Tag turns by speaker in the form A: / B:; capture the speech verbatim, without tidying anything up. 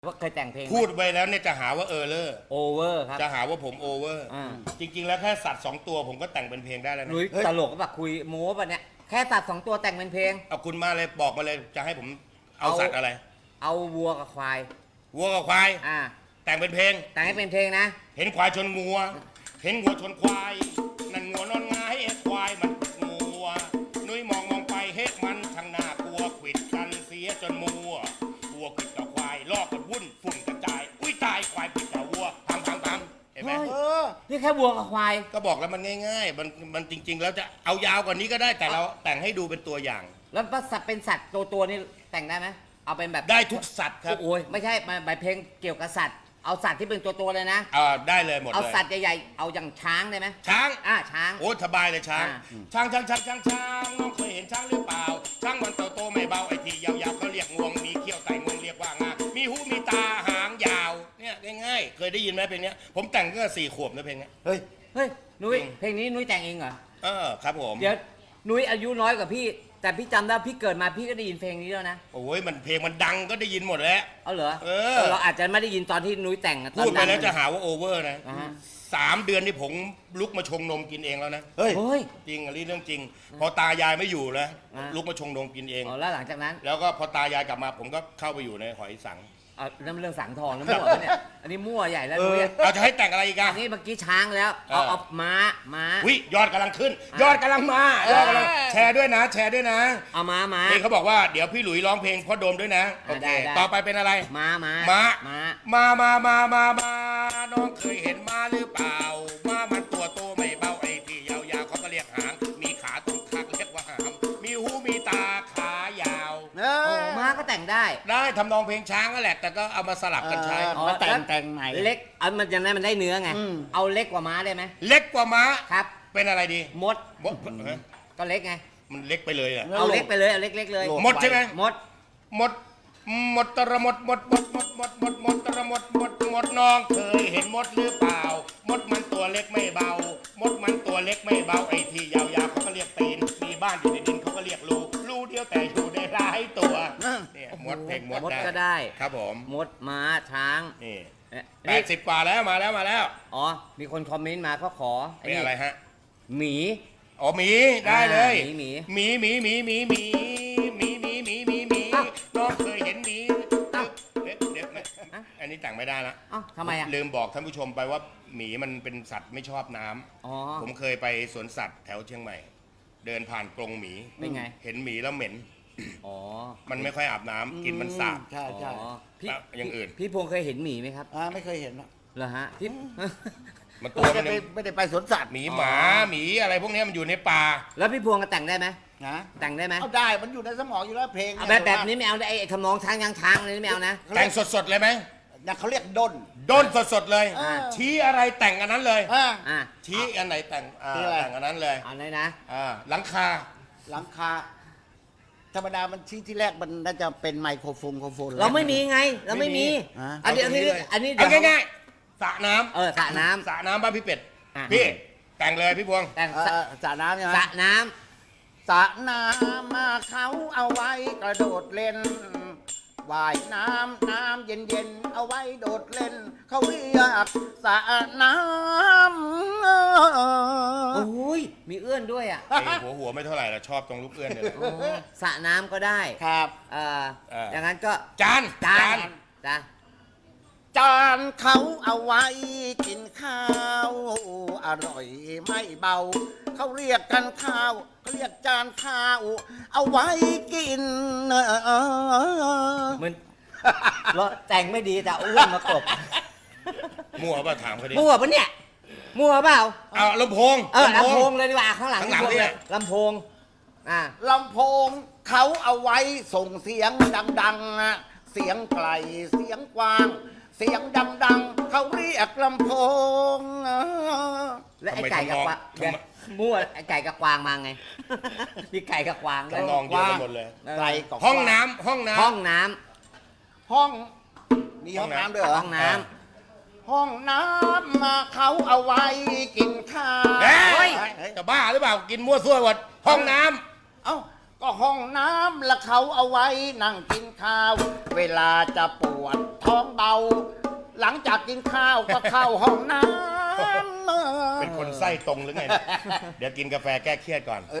A: ว่าเคยแต่งเพลง
B: พูดไปแล้วเนี่ยจะหาว่าเออเลอร์
A: โอเวอร์ครับ
B: จะหาว่าผมโอเวอร์
A: อ่า
B: จริง ๆ แล้วแค่สัตว์สองตัวผมก็แต่งเป็นเพลงได้แล้วนะ
A: นุ้ยตลกก็แบบคุยโม้ปะเนี่ยแค่ตัดสองตัวแต่งเป็นเพลง
B: เอาคุณมาเลยบอกมาเลยจะให้ผมเอา
A: เอา
B: สัตว์อะไร
A: เอาวัวกับควาย
B: วัวกับควาย
A: อ่า
B: แต่งเป็นเพลง
A: แต่งให้เป็นเพลงนะ
B: เห็นควายชนงัว เห็นงัวชนควายนั่นงัวนอนงายเอ็ควายมันงัวนุ้ยมองมองไปเฮ้มันช่างน่ากลัวขวิดกันเสียจนมัววัวขวิดกับควายลอกกันวุ่นฝุ่นกระจายอุ้ยตายควายขวิดกับวัวพังพังพังเห็นไหม
A: เฮ้ย
C: เออ
A: นี่แค่วัวกับควาย
B: ก็บอกแล้วมันง่ายๆ มันมันจริง ๆ แล้วจะเอายาวกว่านี้ก็ได้แต่เราแต่งให้ดูเป็นตัวอย่าง
A: แล้วสัตว์เป็นสัตว์ตัวตัวๆนี่แต่งได้ไหมเอาเป็นแบบ
B: ได้ทุกสัตว์ครับ
A: โอ้ยไม่ใช่มาแบบเพลงเกี่ยวกับสัตว์ เอาสัตว์ที่เป็นตัวตัวๆเลยนะ
B: อ่าได้เลยหมด
A: เอา
B: เลย
A: สัตว์ใหญ่ๆเอาอย่างช้างได้ไหม
B: ช้าง
A: อ่าช้าง
B: โอ้สบายเลยช้าง
A: อ่า
B: ช้างช้างช้างช้างช้างน้องเคยเห็นช้างหรือเปล่า ช้างมันโตโตไม่เบาไอ้ที่ยาวๆเขาเรียกงวงมีเขี้ยวไต่งวงเรียกว่างามีหูมีตาหางยาวเนี่ยง่ายๆ เคยได้ยินไหมเพลงเนี้ยผมแต่งตั้งแต่สี่ขวบนะเพลงเนี้ย
C: เฮ้ย
A: เฮ้ยนุ้ย
B: จริง
A: เพลงนี้นุ้ยแต่งเองเหรอ
B: เออครับผม
A: เดี๋ยวนุ้ยอายุน้อยกว่าพี่ แต่พี่จำได้พี่เกิดมาพี่ก็ได้ยินเพลงนี้แล้วนะ
B: โอ้ยมันเพลงมันดังก็ได้ยินหมดแล้ว
A: เอาเหรอ
B: เออ
A: เราอาจจะไม่ได้ยินตอนที่นุ้ยแต่งอะตอน
B: พูดไป
A: ดัง
B: แล้วจะหาว่าโอเวอร์นะ
A: อ่าฮะ
B: สามเดือนที่ผมลุกมาชงนมกินเองแล้วนะ
C: เฮ้ย
A: เฮ้ย
B: จริงอันนี้เรื่องจริง พอตายายไม่อยู่แล้ว
A: อ่า
B: ลุกมาชงนมกินเอง
A: อ๋อแล้วหลังจากนั้น
B: แล้วก็พอตายายกลับมาผมก็เข้าไปอยู่ในหอยสัง
A: เอาเรื่องเรื่องสังทองแล้วมั่วปะเนี่ยอันนี้มั่วใหญ่แล้ว
C: เออ
A: นุ้ย
B: เราจะให้แต่งอะไรอีกอะ
A: อันนี้เมื่อกี้ช้างแล้วเอา
B: เออ
A: เอาม้าม้า
B: วิยอดกำลังขึ้น
A: อ่ะ
B: ยอดกำลังมายอดกำลังแชร์ด้วยนะ แชร์ด้วยนะ
A: เอาม้าม้า
B: นี่เขาบอกว่าเดี๋ยวพี่หลุยร้องเพลงพ่อโดมด้วยนะโอเค
A: ได้ได้
B: ต่อไปเป็นอะไร
A: ม้าม้า
B: ม้า
A: ม้า
B: มามามามามาน้องเคยเห็นม้าหรือเปล่าม้ามันตัวโตไม่เบาไอ้ที่ยาวๆเขาก็เรียกหางมีขาตรงข้างเรียกว่าหามมีหูมีตาขายาว
C: เอ
A: โอ้
C: อ
A: ม้าก็แต่งได้
B: ได้ทำนองเพลงช้างนั่นแหละแต่ก็เอามาสลับกันใช้
C: เออ มาแต่งแต่งใหม่
A: เล็กเอามันจะได้มันได้เนื้อไง
C: อืม
A: เอาเล็กกว่าม้าได้ไหม
B: เล็กกว่าม้า
A: ครับ
B: เป็นอะไรดี
A: มด
B: มดเอ้ย
A: ก็เล็กไง
B: มันเล็กไปเลยอะ
C: แล้ว
A: เอาเล็กไปเลยเอาเล็กๆเลย
C: โล
B: มดใช่ไหม
A: มด
B: หมดหมดตระหมดหมดหมดหมดหมดหมดหมดตระหมดหมดหมดน้องเคยเห็นมดหรือเปล่ามดมันตัวเล็กไม่เบามดมันตัวเล็กไม่เบาไอ้ที่ยาวๆเขาก็เรียกตีนมีบ้านอยู่ในดินเขาก็เรียกรูรูเดียวแต่อยู่ในหลายตัว
C: เออ
B: เนี่ยมดเพลงมด
A: มด
B: ได้
A: ก็ได้
B: ครับผม
A: มดม้าช้าง
B: นี่
A: เอ๊ะ
B: แปดสิบกว่าแล้วมาแล้วมาแล้ว
A: อ๋อ มีคนคอมเมนต์มาก็ขอ
B: เป็นอะไรฮะ
A: หมี
B: อ๋อหมีได้เลย
A: อ่าหมี
B: หมีหมีหมีหมีหมีหมีหมีหมีหมีหมีน้องเคยเห็นหมีเดี๋ยวเดี๋ยวไม่อันนี้แต่งไม่ได้ละ
A: เอ้าทำไมอ่ะ
B: ลืมบอกท่านผู้ชมไปว่าหมีมันเป็นสัตว์ไม่ชอบน้ำ
A: อ๋อ
B: ผมเคยไปสวนสัตว์แถวเชียงใหม่ เดินผ่านกรงหมี
A: เป็นไง
B: เห็นหมีแล้วเหม็น
A: อ๋อ
B: มันไม่ค่อยอาบน้ำกลินมันสาบ
C: ใช่ใช่
A: อ๋อพี่
B: แล้วอย่างอื่น
A: พี่พงษ์เคยเห็นหมีไหมครับ
C: อ่าไม่เคยเห็นหรอก
A: เหรอฮะพี่
B: มันตัว
C: ไม่
B: มั
C: ได้
B: น
C: ไป
B: ยัง
C: ไม่ได้ไปสวนสัตว์
B: หมีหมาหมีอะไรพวกเนี้ยมันอยู่ในป่า
A: แล้วพี่พวงก็แต่งได้ไหม
C: นะ
A: แต่งได้ไหม
C: เอาได้มันอยู่ในสมองอยู่แล้วเพลง
A: เอาแบบแบบนี้ไม่เอานะไอ้ไอ้ทำนองช้างยางช้างอะไรนี่ไม่เอานะ
B: แต่งสดๆเลยไหม
C: นะเขาเรียกด้น
B: ด้นสดๆเลย
C: เออ
B: ชี้อะไรแต่งอันนั้นเลย
C: อ่า
A: อ่ะ
B: ชี้อันไหนแต่งอ่า
C: ชี้อะไร
B: แต่งอันนั้นเลย
A: เอาเลยนะ
B: อ่าหลังคา
C: หลังคา ธรรมดามันที่ที่แรกมันน่าจะเป็นไมโครโฟนโครโฟน
A: เราไม่มีไง เราไม่มี
C: อ่ะ
A: อันนี้อันนี้
B: เลย
A: อันนี้
B: เอา
A: เดี๋ยว
B: ง่ายๆสระน้ำ
A: เออสระน้ำ
B: สระน้ำบ้านพี่เป็ด
A: อ่ะ
B: พี่แต่งเลยพี่พวง
A: แต่ง
C: เออ
A: สระ
C: เออสระน้ำใช่ไหม
A: สระน้
C: สระน้ำมาเขาเอาไว้กระโดดเล่นว่ายน้ำน้ำเย็นเย็นๆเอาไว้โดดเล่น เขาเรียกสระน้ำ
A: ำโอ้ยมีเอื้อนด้วยอ่ะ
B: ไอ้หัวหัวไม่เท่าไหร่ละชอบตรงลูกเอื้อนเนี่ยแหละ
A: โอ้สระน้ำก็ได้
C: ครับ
A: เอ่อ
B: เออ
A: อ
B: อ
A: ย่างนั้นก็
B: จาน
A: จานจ้ะ
C: จานเขาเอาไว้กินข้าว อร่อยไม่เบา เขาเรียกกันข้าวเขาเรียกจานข้าว เอาไว้กิน
A: มันแล้วแต่งไม่ดีแต่เอาอ้วนมากบ
B: มั่วป่ะถามเขาดิ
A: มั่วปะเนี่ยมั่วเปล่า
B: เอาลำโพง
A: เออลำโพงเลยดีกว่าข้างหลัง
B: ข้างหลัง
A: ลำโพ
B: เนี่ย
A: ลำโพงอ่า
C: ลำโพงเขาเอาไว้ส่งเสียงดังๆนะเสียงไกลเสียงกว้าง เสียงดังๆ เขาเรียกลำโพง
A: และไอ้ไก่กับกวาง
B: ทำไม
A: มั่วไอ้ไก่กับกวางมาไง มีไก่กับกวางด้วย
B: ทำนองเดียวกันหมดเลย
A: เออ
C: ไกลกับ
B: ห้องน้ำห้องน้ำ
A: ห้องน้
C: ห้อง มีห้องน้ำด้วยเหร
A: ำ
C: อ
A: ห้องน้
C: ห้องน้ำมาเขาเอาไว้กินข้าว
B: เฮ้ย
C: เฮ้ย
B: จะบ้าหรือเปล่ากินมั่วซั่วหมดห้องน้ำ
C: เอ้าก็ห้องน้ำแล้วเขาเอาไว้นั่งกินข้าว เวลาจะปวดท้องเบา หลังจากกินข้าวก็เข้าห้องน้ำ
B: เป็นคนไส้ตรงหรือไงเนี่ยเดี๋ยวกินกาแฟแก้เครียดก่อน